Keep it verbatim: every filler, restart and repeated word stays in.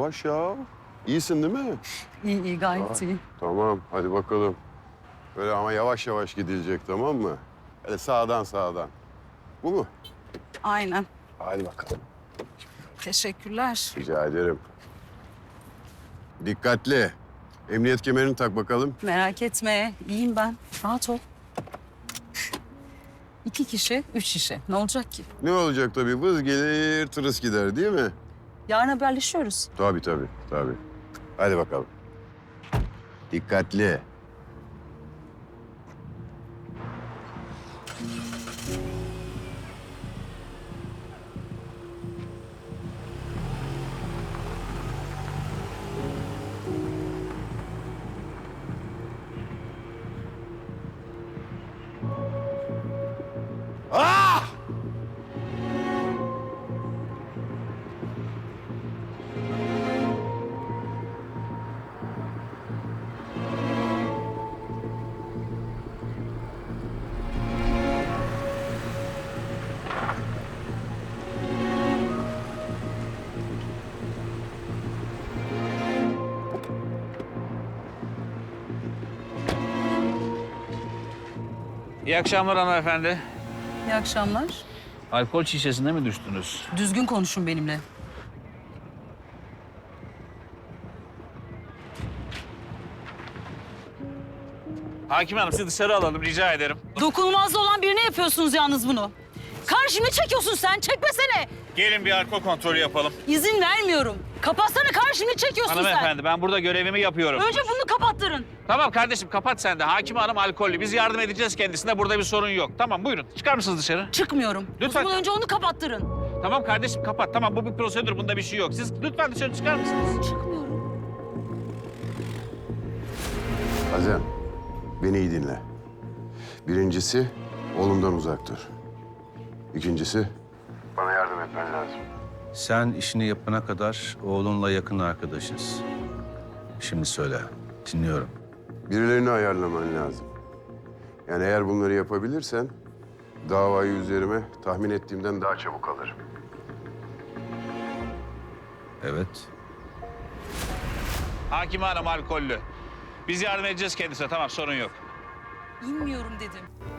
yavaş ya. İyisin değil mi? İyi iyi gayet Ah. iyi. Tamam, hadi bakalım. Böyle ama yavaş yavaş gidilecek, tamam mı? Öyle sağdan sağdan. Bu mu? Aynen. Hadi bakalım. Teşekkürler. Rica ederim. Dikkatli. Emniyet kemerini tak bakalım. Merak etme. İyiyim ben. Rahat ol. İki kişi, üç kişi. Ne olacak ki? Ne olacak tabii? Vız gelir, tırıs gider değil mi? Yarın haberleşiyoruz. Tabii tabii, tabii. Hadi bakalım. Dikkatli. Ah! İyi akşamlar hanımefendi. İyi akşamlar. Alkol şişesine mi düştünüz? Düzgün konuşun benimle. Hakim Hanım sizi dışarı alalım rica ederim. Dokunulmazda olan birine yapıyorsunuz yalnız bunu. Karşımı çekiyorsun sen. Çekmesene. Gelin bir alkol kontrolü yapalım. İzin vermiyorum. Kapatsana, karşımı çekiyorsun sen. Hanımefendi ben burada görevimi yapıyorum. Önce bunu kapattırın. Tamam kardeşim kapat sen de. Hakim Hanım alkollü. Biz yardım edeceğiz kendisine. Burada bir sorun yok. Tamam buyurun. Çıkar mısınız dışarı? Çıkmıyorum. Lütfen. O zaman önce onu kapattırın. Tamam kardeşim kapat. Tamam bu bir prosedür. Bunda bir şey yok. Siz lütfen dışarı çıkar mısınız? Çıkmıyorum. Azem, beni iyi dinle. Birincisi, oğlumdan uzak dur. İkincisi, bana yardım etmen lazım. Sen işini yapana kadar oğlunla yakın arkadaşız. Şimdi söyle, dinliyorum. Birilerini ayarlaman lazım. Yani eğer bunları yapabilirsen, davayı üzerime tahmin ettiğimden daha çabuk alırım. Evet. Hakim Hanım alkollü. Biz yardım edeceğiz kendisine. Tamam sorun yok. İnmiyorum dedim.